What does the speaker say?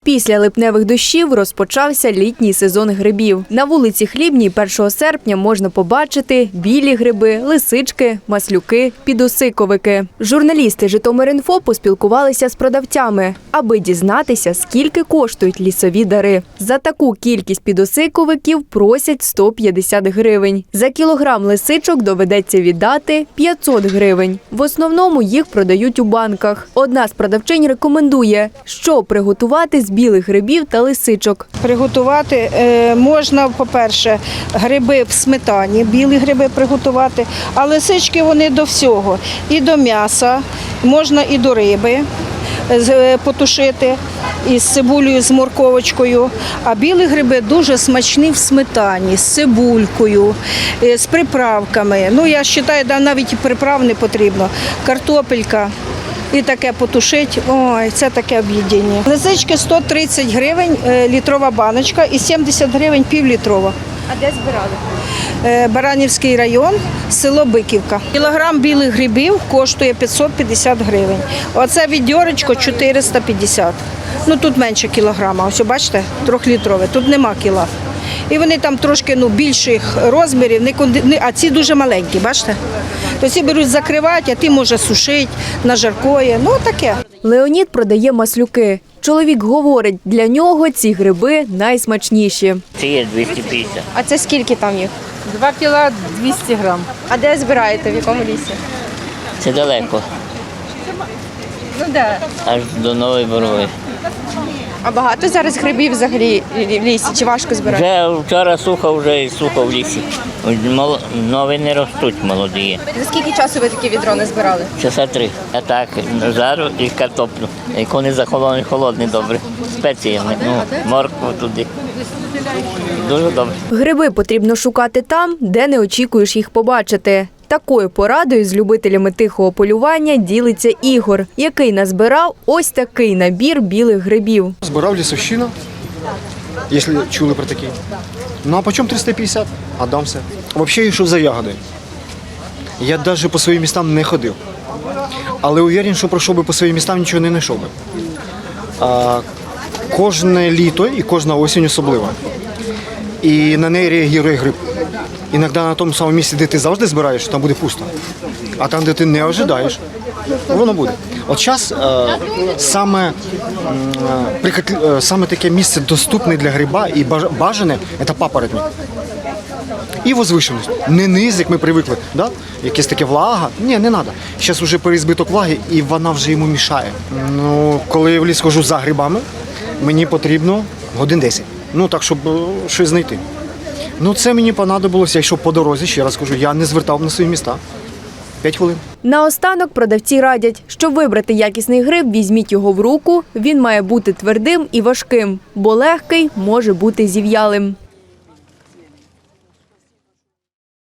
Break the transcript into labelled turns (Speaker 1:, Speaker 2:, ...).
Speaker 1: Після липневих дощів розпочався літній сезон грибів. На вулиці Хлібній 1 серпня можна побачити білі гриби, лисички, маслюки, підосиковики. Журналісти Житомир.Інфо поспілкувалися з продавцями, аби дізнатися, скільки коштують лісові дари. За таку кількість підосиковиків просять 150 гривень. За кілограм лисичок доведеться віддати 500 гривень. В основному їх продають у банках. Одна з продавчинь рекомендує, що приготувати з білих грибів та лисичок.
Speaker 2: Приготувати можна, по-перше, гриби в сметані, білі гриби приготувати, а лисички вони до всього. І до м'яса, можна і до риби потушити, із цибулею, з морковочкою. А білі гриби дуже смачні в сметані, з цибулькою, з приправками. Ну, я вважаю, навіть і приправ не потрібно. Картопелька. І таке потушить, ой, це таке об'єднання. Лисички 130 гривень літрова баночка і 70 гривень півлітрова.
Speaker 1: А де збирали?
Speaker 2: Баранівський район, село Биківка. Кілограм білих грибів коштує 550 гривень. Оце відьорочко 450. Ну тут менше кілограма, ось бачите, 3-літрове, тут нема кіла. І вони там трошки більших розмірів, а ці дуже маленькі, бачите? То ці беруть закривати, а ті може сушити, на жаркоє, ну таке.
Speaker 1: Леонід продає маслюки. Чоловік говорить, для нього ці гриби найсмачніші.
Speaker 3: Це є 250.
Speaker 1: А це скільки там їх?
Speaker 4: 2 кіла 200 грам.
Speaker 1: А де збираєте, в якому лісі?
Speaker 3: Це далеко,
Speaker 4: Ну да.
Speaker 3: аж до Нової Борової.
Speaker 1: А багато зараз грибів взагалі в лісі? Чи важко збирати?
Speaker 3: Вже вчора сухо, вже і сухо в лісі. Нові не ростуть, молоді є.
Speaker 1: За скільки часу ви такі відро не збирали?
Speaker 3: Часа 3. А так, жару і картоплю. Як вони захолоні, холодні добре. Спеціями, моркву туди. Дуже добре.
Speaker 1: Гриби потрібно шукати там, де не очікуєш їх побачити. Такою порадою з любителями тихого полювання ділиться Ігор, який назбирав ось такий набір білих грибів.
Speaker 5: Збирав лісовщина, якщо чули про такі. Ну а по чому 350? А дамся. Взагалі йшов за ягоди. Я навіть по своїм містам не ходив. Але уверен, що пройшов би по своїм містам, нічого не знайшов би. Кожне літо і кожна осінь особлива. І на неї реагує гриб. Іноді на тому самому місці, де ти завжди збираєш, там буде пусто. А там, де ти не очікуєш, воно буде. От зараз саме таке місце доступне для гриба і бажане – це папоротник. І возвишеність. Не низ, як ми звикли, да? Якесь таке влага. Ні, не треба. Зараз вже переізбиток влаги, і вона вже йому мішає. Ну, коли я в ліс хожу за грибами, мені потрібно годин 10. Ну, так, щоб щось знайти. Ну, це мені понадобилося, я йшов по дорозі, ще раз кажу, я не звертав на свої міста. 5 хвилин.
Speaker 1: Наостанок продавці радять, щоб вибрати якісний гриб, візьміть його в руку, він має бути твердим і важким, бо легкий може бути зів'ялим.